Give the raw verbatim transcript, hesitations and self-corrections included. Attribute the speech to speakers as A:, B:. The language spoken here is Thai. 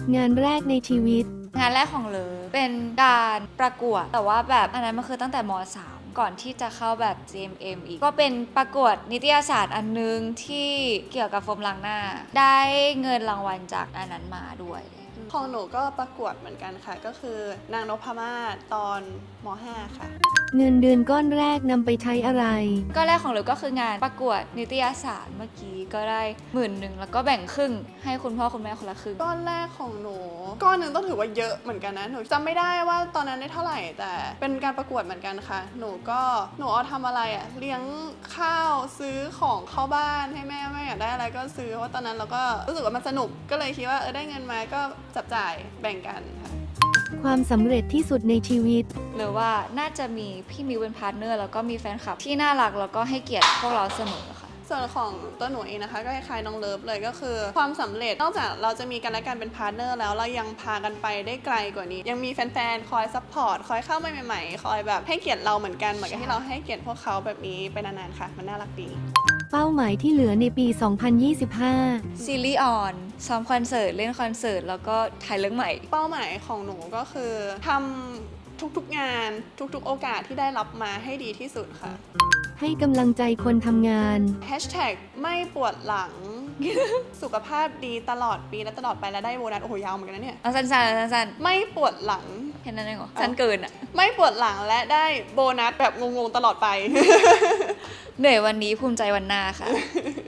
A: งานแรกในชีวิต
B: งานแรกของเลอเป็นการประกวดแต่ว่าแบบอันนั้นมันคือตั้งแต่ม สาม ก่อนที่จะเข้าแบบ จี เอ็ม เอ็ม อีกก็เป็นประกวดนิตยสารอันนึงที่เกี่ยวกับโฟมล้างหน้าได้เงินรางวัลจากอันนั้นมาด้วย
C: ของหนูก็ประกวดเหมือนกันค่ะก็คือนางนพมาศตอนม ห้า ค่ะ
A: เงินเดือนก้อนแรกนำไปใช้อะไร
B: ก็แรกของเลอก็คืองานประกวดนิตยสารเมื่อกี้ก็ได้หมื่นหนึ่งแล้วก็แบ่งครึ่งให้คุณพ่อคุณแม่คนละครึ่ง
C: ก้อนแรกของหนูก้อนหนึ่งต้องถือว่าเยอะเหมือนกันนะหนูจำไม่ได้ว่าตอนนั้นได้เท่าไหร่แต่เป็นการประกวดเหมือนกันค่ะหนูก็หนูเอาทำอะไรอะเลี้ยงข้าวซื้อของเข้าบ้านให้แม่แม่อยากได้อะไรก็ซื้อเพราะว่าตอนนั้นเราก็รู้สึกว่ามันสนุกก็เลยคิดว่าเออได้เงินมาก็จับจ่ายแบ่งกันค่ะ
A: ความสำเร็จที่สุดในชีวิต
B: หรือว่าน่าจะมีพี่มิวเป็นพาร์ทเนอร์แล้วก็มีแฟนคลับที่น่ารักแล้วก็ให้เกียรติพวกเราเสมอค่ะ
C: ส่วนของตัวหนูเองนะคะก็คล้ายๆน้องเลิฟเลยก็คือความสำเร็จนอกจากเราจะมีกันและกันเป็นพาร์ทเนอร์แล้วเรายังพากันไปได้ไกลกว่านี้ยังมีแฟนๆคอยซัพพอร์ตคอยเข้ามาใหม่ๆคอยแบบให้เกียรติเราเหมือนกันเหมือนกับที่เราให้เกียรติพวกเขาแบบนี้ไปนานๆค่ะมันน่ารักดี
A: เป้าหมายที่เหลือในปี สองพันยี่สิบห้า
B: ซีรีส์ออนซ้อมคอนเสิร์ตเล่นคอนเสิร์ตแล้วก็ถ่ายเรื่องใหม่
C: เป้าหมายของหนูก็คือทำทุกๆงานทุกๆโอกาสที่ได้รับมาให้ดีที่สุดค่ะ
A: ให้กำลังใจคนทำงาน
C: แฮชแท็กไม่ปวดหลัง สุขภาพดีตลอดปีและตลอดไปและได้โบนัสโอ้โหยาวเหมือนกันนะเนี่ย
B: เอาสั้นๆสั้น
C: ๆไม่ปวดหลัง
B: แค่นั้นเองเหรอสั้นเกินอ่ะ
C: ไม่ปวดหลังและได้โบนัสแบบงงๆตลอดไป
B: เหนื่อยวันนี้ภูมิใจวันหน้าค่ะ